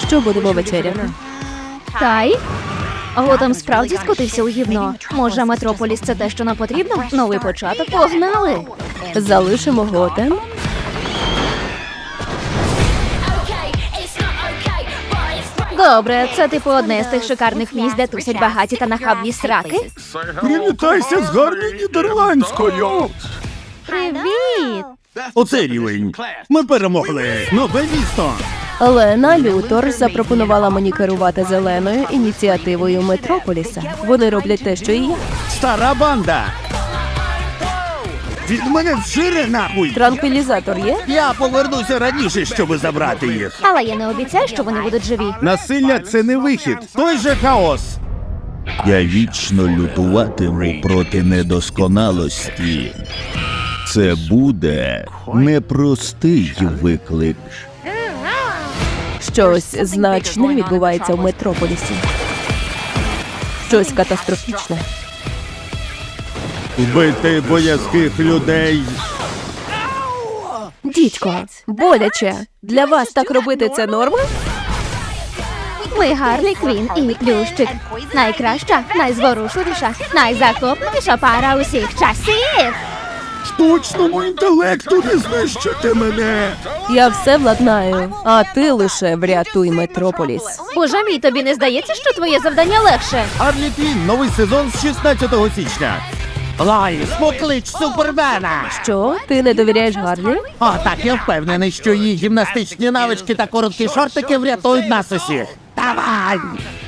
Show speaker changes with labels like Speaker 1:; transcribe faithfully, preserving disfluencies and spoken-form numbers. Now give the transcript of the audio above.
Speaker 1: Що будемо вечеряти?
Speaker 2: Тай? Готем справді скотився у гівно. Може, Метрополіс – це те, що нам потрібно? Новий початок? Погнали!
Speaker 1: Залишимо Готем?
Speaker 2: Добре, це типу одне з тих шикарних місць, де тусять багаті та нахабні сраки?
Speaker 3: Привітайся з гарною нідерландською!
Speaker 2: Привіт!
Speaker 3: Оце рівень. Ми перемогли. Нове місто.
Speaker 1: Лена Лютор запропонувала мені керувати зеленою ініціативою Метрополіса. Вони роблять те, що і я.
Speaker 3: Стара банда. Від мене вжире нахуй.
Speaker 1: Транквілізатор є?
Speaker 3: Я повернуся раніше, щоб забрати їх.
Speaker 2: Але я не обіцяю, що вони будуть живі.
Speaker 3: Насилля – це не вихід. Той же хаос.
Speaker 4: Я вічно лютуватиму проти недосконалості. Це буде непростий виклик.
Speaker 1: Щось значне відбувається в Метрополісі. Щось катастрофічне.
Speaker 3: Вбити боязких людей.
Speaker 1: Дідько, боляче. Для вас так робити це норма?
Speaker 2: Ми Гарлі Квін і Плющик. Найкраща, найзворушливіша, найзахопливіша пара усіх часів.
Speaker 3: Штучному інтелекту не знищити мене.
Speaker 1: Я все владнаю, а ти лише врятуй Метрополіс.
Speaker 2: Боже мій, тобі не здається, що твоє завдання легше?
Speaker 3: Гарлі Квін, новий сезон з шістнадцятого січня. Лайс, поклич Супермена!
Speaker 1: Що? Ти не довіряєш Гарлі?
Speaker 3: О, так, я впевнений, що її гімнастичні навички та короткі шортики врятують нас усіх. Давай!